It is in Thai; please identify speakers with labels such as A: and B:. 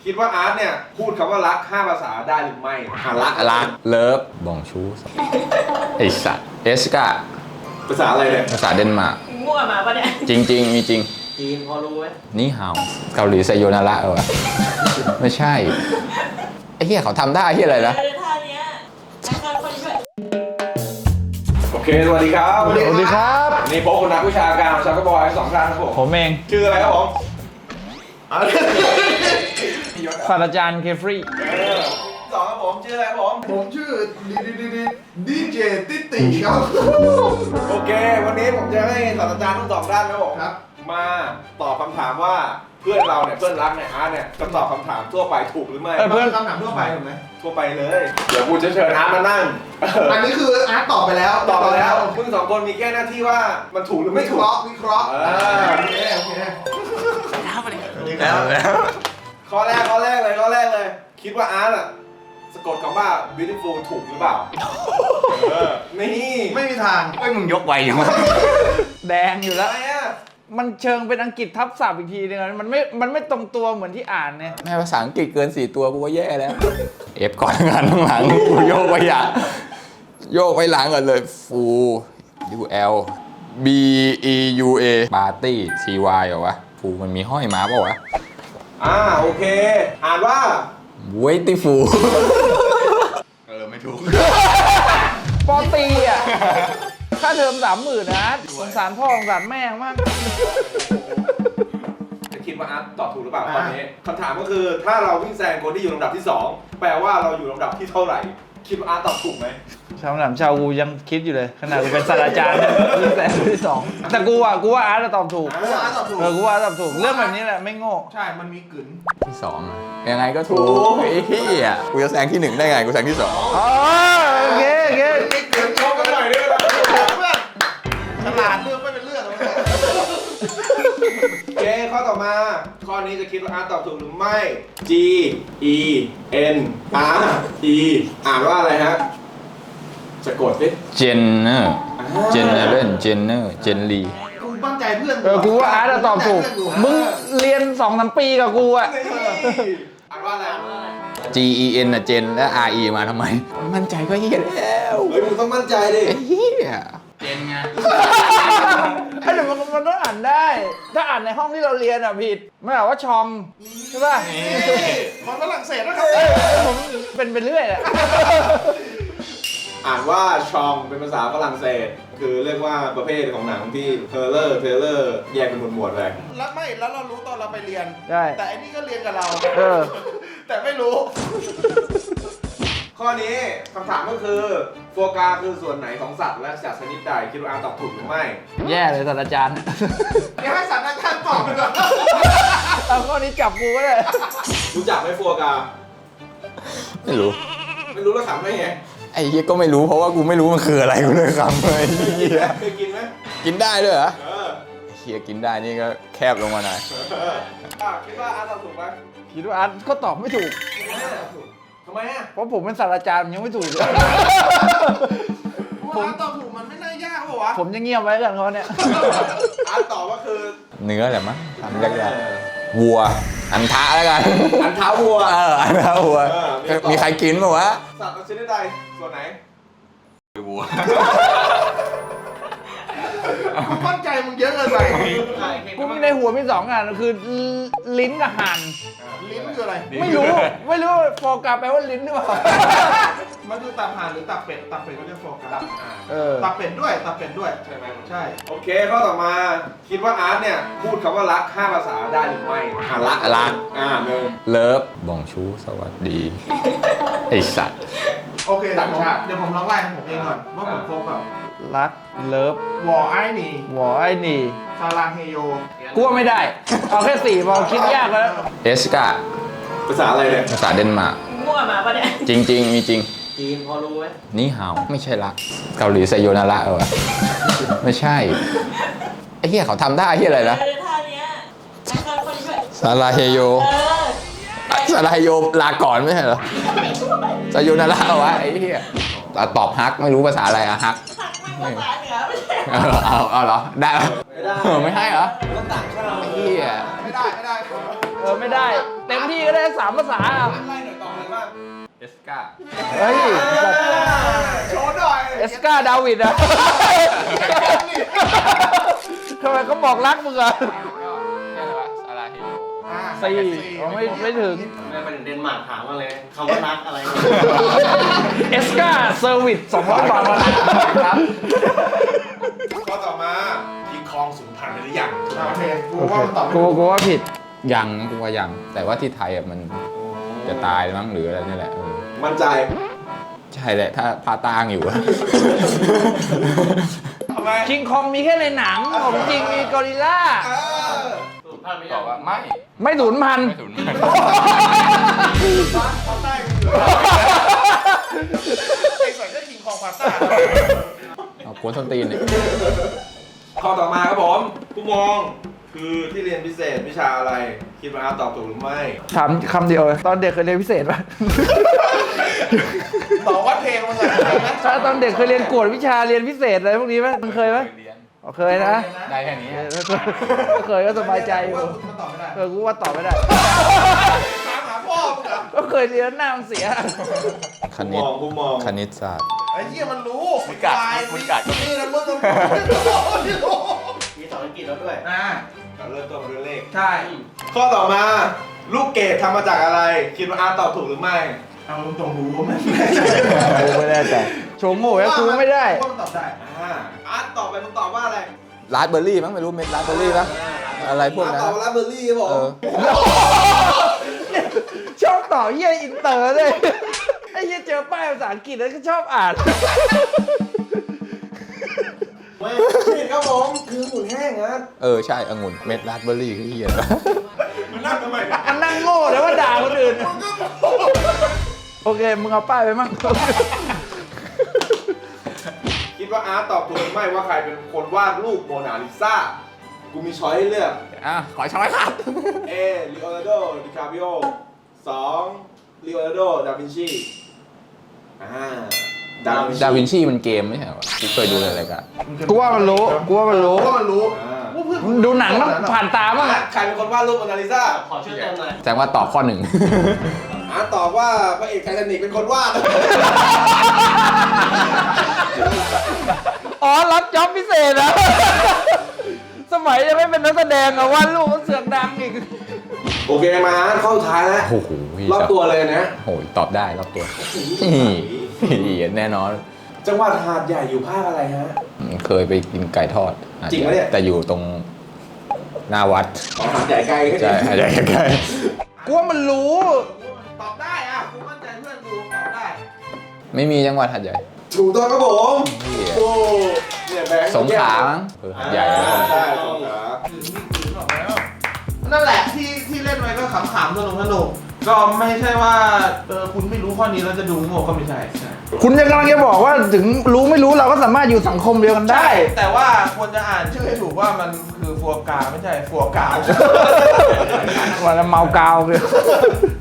A: คิดว่าอาร์ตเนี่ยพูดคำว่ารัก5 ภาษาได้หรือไม่
B: รักเลิฟบองชูไอสัตว์เอสกา
A: ภาษาอะไรเนี่ย
B: ภาษาเดนมาร์ก
C: มั่วมาปะเนี่ย
B: จริงมีจริง
C: จีนพอรู้ไหม
B: นี่ฮาวเกาหลีไซโยนาระวะไม่ใช่ไอ้เหี้ยเขาทำได้เหี้ยอะไรนะ
C: ท่าเนี้ยการคนช่วย
A: โอเคสวัสดีครับ
D: สวัสดีครับ
A: นี่พบกับนักวิชาการชาวกบอย2 ท่านครับ
D: ผมเอง
A: ชื่ออะไรครับผม
D: ศาสตราจารย์เคฟรี
A: สองครับผมชื่ออะไรครับ
E: ผมชื่อดีเจติติครับ
A: โอเควันนี้ผมจะให้ศาสตราจารย์ทั้ง2 ด้านครับผมมาตอบคำถามว่าเพื่อนเราเนี่ยเพื่อนรักเนี่ยอาร์ตเนี่ยจะตอบคำถามทั่วไปถูกหรือไม่
E: เพื่อนคำถามทั่วไปถูกไหม
A: ทั่วไปเลยเดี๋ยวกูจะเชิญอาร์ตมานั่ง
E: อันนี้คืออาร์ตตอบไปแล้ว
A: มึง2 คนมีแค่หน้าที่ว่ามันถูกหรือไม่ถูก
E: วิเคราะห์โอเค
A: แล้วข้อแรกเลยคิดว่าอาร์ตอะสะกดคำว่า beautiful ถูกหรือเปล่านี่
E: ไม่มีทาง
B: มึงยกไวอย่างวะ
D: แดงอยู่แล้ว
A: อะไรอะ
D: มันเชิงเป็นอังกฤษทับศัพท์อีกทีนึงมันไม่ตรงตัวเหมือนที่อ่านเนี่ย
B: แม่ภาษาอังกฤษเกิน4 ตัวกูก็แย่แล้วเอฟก่อนงานข้างหลังกูโยกไปอย่างโยกไปหลังก่อนเลยฟูยูเอลบีอียูเอปาร์ตี้ซีวายเหรอวะฟูมันมีห้อยมาเปล่าวะ
A: โอเคอ่านว่า
B: เวทีฟูไม่ถูก
D: ปอตีอ่ะค่าเทอม30,000นะสงสารพ่อสงสารแม่มาก
A: จะคิดว่าอาร์ตตอบถูกหรือเปล่าตอนนี้คำถามก็คือถ้าเราวิ่งแซงคนที่อยู่ลำดับที่2แปลว่าเราอยู่ลำดับที่เท่าไหร่คิดว่าอาร์ตตอบถูกไหม
D: ชาวหนามชาวกูยังคิดอยู่เลยขนาดกูเป็นศาสตราจารย์วิ่งแซงคนที่2แต่กูว่าอาร์ตตอบถูก
E: กูว่าอาร์ตตอบถูก
D: เรื่องแบบนี้แหละไม่โง่
E: ใช่มันมีกึ๋น
B: ที่2ยังไงก็ถูกไอ้เหี้ยกูจะแซงที่1ได้ไงกูแซงที่2
D: โอเค
E: มีกึ๋นโชว์กันหน่อยด้วยนะฉลาดเรื่องไม่เป็นเรื่อง
A: โอเคข้อต่อมาข้อนี้จะคิดว่าอาร์ตตอบถูกหรือไม่ G E N R E อ่านว่าอะไรฮะสะกดดิ
B: เจนเนอร์เจนเนลี
E: กูตั้งใจเพื่อน
D: กูว่าอาร์ตตอบถูกมึงเรียน 2-3 ปีกับกูอะ
A: อ่านว่าอะไร
B: G E N นะเจนและ R E มาทำไมมั่นใจก็เฮียแล้ว
A: เฮ้ยมึงต้องมั่นใจดิ
B: เฮีย
D: เจนไงเดี๋ยวมันต้องอ่านได้ถ้าอ่านในห้องที่เราเรียนอ่ะผิดไม่บอกว่าชองใช่ป่ะ
E: มันฝรั่งเศสนะครับ
D: ผมเป็นเรื่อยแหละ
A: อ่านว่าชองเป็นภาษาฝรั่งเศสคือเรียกว่าประเภทของหนังที่เทเลอร์แยกเป็นหมวดเลย
E: แล้วเรารู้ตอนเราไปเรียนแต่อันนี้ก็เรียนกับเราแต่ไม่รู้
A: ข้อนี้คำถามก็คือโฟกาคือส่วนไหนของสัตว์และสัตว์ชนิดใดคิดว่าอาร์ตตอบถูกหรือไม่
D: แย่เลยศาสตราจารย์
E: เดี๋ยวให้ศาสตราจารย์ตอบเลย
D: เอาข้อนี้จับกูก็ได้
A: รู้จักไหมโฟกา
B: ไม่รู้
A: แล้วขำได้ไง
B: ไอ้เหี้ยก็ไม่รู้เพราะว่ากูไม่รู้มันคืออะไรกูเลยขำเลย
A: เคยกินไหม
B: กินได้ด้วยเหรอเหี้ยกินได้นี่ก็แคบลงมาหน่อย
A: คิดว่าอาร์ตตอบถูกไหม
D: คิดว่าอาร์ตก็ตอบไม่ถูก
A: ทำไมอ่ะ
D: เพราะผมเป็นศาสตราจารย์ยังไม่ถูกเลย
E: ผมตอบถูกมันไม่น่ายากหรอวะ
D: ผมจะเงียบไว้กันเขาเนี่ย
A: อาร์ตตอบว่าคือ
B: เนื้อแหละมั้งทำยากๆวัวอันทะแล้วกัน
A: อันท้าวัว
B: อันท้าวัวมีใครกินมั้ยวะ
A: สัตว์ชนิดใดส่วนไหน
B: วัว
E: มั่นใจมึงเยอะเกินไป
D: กูมีในหัวมี2 อันคือลิ้นกับห่าน
E: ลิ้นคืออะไร
D: ไม่รู้โฟกัสแปลว่าลิ้นหรือเปล่า
E: มันคือตับห่านหรือตับเป็ดก็เรียกโฟกัสตับเป็ดด้วย
A: ใช่ไหม
E: ใช่
A: โอเคข้อต่อมาคิดว่าอาร์ตเนี่ยพูดคำว่ารัก5 ภาษาได้หรือไม่
B: รัก
A: เลย
B: เลิฟบองชูสวัสดีไอสัตว์
E: โอเคเดี๋ยวผมลองไล่ผมเองก่อนว่าผมครบแบบ
D: รักเลิฟ
E: วอไอหนีซาลังเฮโย
D: กูว่าไม่ได้เอาแค่4พอคิดยากแล้ว
B: เอสกา
A: ภาษาอะไรเนี่ย
B: ภาษาเดนมาร์ก
C: มั่วมาปะเนี่ย
B: จริงมีจริง
C: จีนพอรู้ไหม
B: นี่ฮาวไม่ใช่รักเกาหลีไซโยนาระวะไม่ใช่ไอ้เหี้ยเขาทำได้เหี้ยอะไรนะ
C: ท่าเนี้ยการคนช่วย
B: ซาลาเฮโยซาลาเฮโยลาก่อนไม่ใช่เหรอไซโยนาระวะไอ้เหี้ยตอบฮักไม่รู้ภาษาอะไรอะฮัก
C: ภาษาเหนือไม่ใช่
B: เอาเหรอได้ไม่ให้เหรอ
A: ต้องต่างชาติ
B: ไอ้เหี้ย
E: ไม่ได้
D: ไม่ได้เต็มที่ก็ได้3 ภาษาอ่ะ
A: ไล่หน่อยต่อเลยบ้าง
B: เอสกา
D: เฮ้ย
A: โชว์หน่อย
D: เอสกาดาวิดอะทำไมเขาบอกรักมึงอ่ะ
B: นี่อะไรวะซาลาเฮโย
D: 4ไม่ถึง
C: ไม่ไปถึงเดนมาร์กถามมาเลยคำว่ารักอะไร
D: เอสกาเซอร์วิส200 บาทมาครับ
A: ข้อต่อมาคิงคองสูญพันธุ์ไปหรือยัง
E: โอเคกูว่ามันตอบไม่
D: กู
E: ถูก
D: ว่าผิด
B: ยังกูว่ายัง แต่ว่าที่ไทยอ่ะมันจะตายมั้งหรืออะไรนี่แหละเออ
A: มั่นใจ
B: ใช่แหละถ้าพาตางอยู่อะ
A: ทำไม
D: คิงคองมีแค่ในหนังของจริงมีกอริลลา
C: สูตรพันธุ์ไม่
B: ต
C: ยั
B: อง บว่าไม่
D: ไม่สูญพันธุ์
B: ไม่ถึงไม่
E: เขาใต้ไอ้ส่วนก็คิงคองพาต้า
B: เอากวนส้นตีนเนี่ย
A: ข้อต่อมาครับผมผู้มองคือที่เรียนพิเศษวิชาอะไร คิดว่าอาร์ตตอบถูกหรือไม่
D: ถามคำเดียวเลยตอนเด็กเคยเรียนพิเศษป่ะ
E: ต่อวัดเพลงมันเลยนะ
D: ถ้าตอนเด็กเคยเรียนกวดวิชาเรียนพิเศษอะไรพวกนี้ไหมมึงเคยไหม
B: เรียน
D: อ๋อเคยนะ
B: ได้แค่นี้
D: ก็เคยก็สบายใจอยู่
E: มันตอบไม่ได้
D: กูว่าตอบไม่ได้
E: ถามหาพ่อมึงเหรอ
D: ก็เคยเรียนหน้ามันเสีย
B: คณิต
A: ผู้มอง
B: คณิตศาสตร์
E: ไอ้เหี้ยมันรู้
B: มึงกัด
E: ตาย
B: มึงกัด
E: นี่นะมึงไม่รู้
C: มีสอนอังกฤษแล้วด้วย
A: เราเริ่มต้นด้วยเลข
E: ใช่
A: ข้อต่อมาลูกเกดทำมาจากอะไร คิดว่าอาร์ตตอบถูกหรือไม่
E: เอาตรงรู้ไหม
D: กูไม่ได้แต่โชว์โง่แล้วกูไม่ได้
E: ว่ามันตอบได้
A: อาร์ตตอบไปมึงตอบว่าอะไร
B: ราสเบอร์รี่มั้งไม่รู้เม็ดราสเบอร์รี่ปะอะไรพวก
A: อาร์ต
B: นั้น
A: ตอบว่าราสเบอร์รี่ครับผ
B: เอ
A: ม
B: อ
D: ชอบต่อเยี่ยอินเตอร์เลยไอ้เยี่ยเจอป้ายภาษาอังกฤษแล้วก็ชอบอ่าน
A: ไม่ผิดครับผม คือหมุนแห้งนะ
B: เออใช่องุ่นเม็ดราสเบอร์รี่ที่เหี้ย
A: มันนั่งทำไมนะ
D: อันนั่งโง่แต่ว่าด่าคนอื่น โอเค มึงเอาป้ายไปมั่ง
A: คิดว่าอาร์ตตอบถูกหรือไม่ว่าใครเป็นคนวาดรูปโมนาลิซา กูมีช้อยให้เลือก
B: อ่ะขอช้อยครับ
A: A ลีโอนาร์โด ดิคาปิโอ 2. ลีโอนาร์โด ดาวินชีดาวินชี
B: ดาวินชีมันเกมไม่ใช่เหรอกูเคยดูในรายการ
D: กูว่ามันรู้ กูว่ามันรู้
E: เพราะมันรู้
A: อ่า
D: ดูหนังต้องผ่านตาบ้าง
A: ใครเป็นคนวาดรูปโมนาลิซา
C: ขอชื่อเต็มหน่อย
B: แสดงว่าตอบข้อหนึ่ง
A: อาร์ตตอบว่าพระเอกไททานิกเป็นคนวาด
D: อ๋อ รับจ็อบพิเศษนะ สมัยยังไม่เป็นนักแสดงอะว่าลูกมันเสือกดังอีก
A: โอเคมาอาร์ตเข้าสุดท้ายแล้ว
B: โอ้โห
A: รอบตัวเลยนะ
B: โอ้ยตอบได้รอบตัวแน่นอน
A: จังหวัดหาดใหญ่อยู่ภาคอะไรฮะ
B: เคยไปกินไก่ทอด
A: จริงปะเนี่ย
B: แต่อยู่ตรงหน้าวัด
A: อ๋อหาดใหญ่ไกลแค่
B: ใช่
A: นี้
B: ใช่ใกล้
D: กูว่ามันรู้
E: ตอบได้อ่ะกูมั่นใจเพื่อนกูตอบได้
B: ไม่มีจังหวัดหัดใหญ่
A: ถูกต้องครับผม
B: เหี้ย
A: โอ้เนี่ยแบงค์
B: สงขลามั้งหัดใหญ่
A: ใช่สงขลา
E: นั่นแหละที่เล่นไว้ก็ขำๆสนุกก็ไม่ใช่ว่าคุณไม่รู้ข้อนี้แล้วจะดูโง่ก็ไม่ใช่
D: คุณยังกำลังจะบอกว่าถึงรู้ไม่รู้เราก็สามารถอยู่สังคมเดียวกันได้
E: แต่ว่าควรจะอ่านชื่อให้ถูกว่ามันคือฟัวกราไม่ใช่ฟัวกราว
D: วันละเมากาวเลย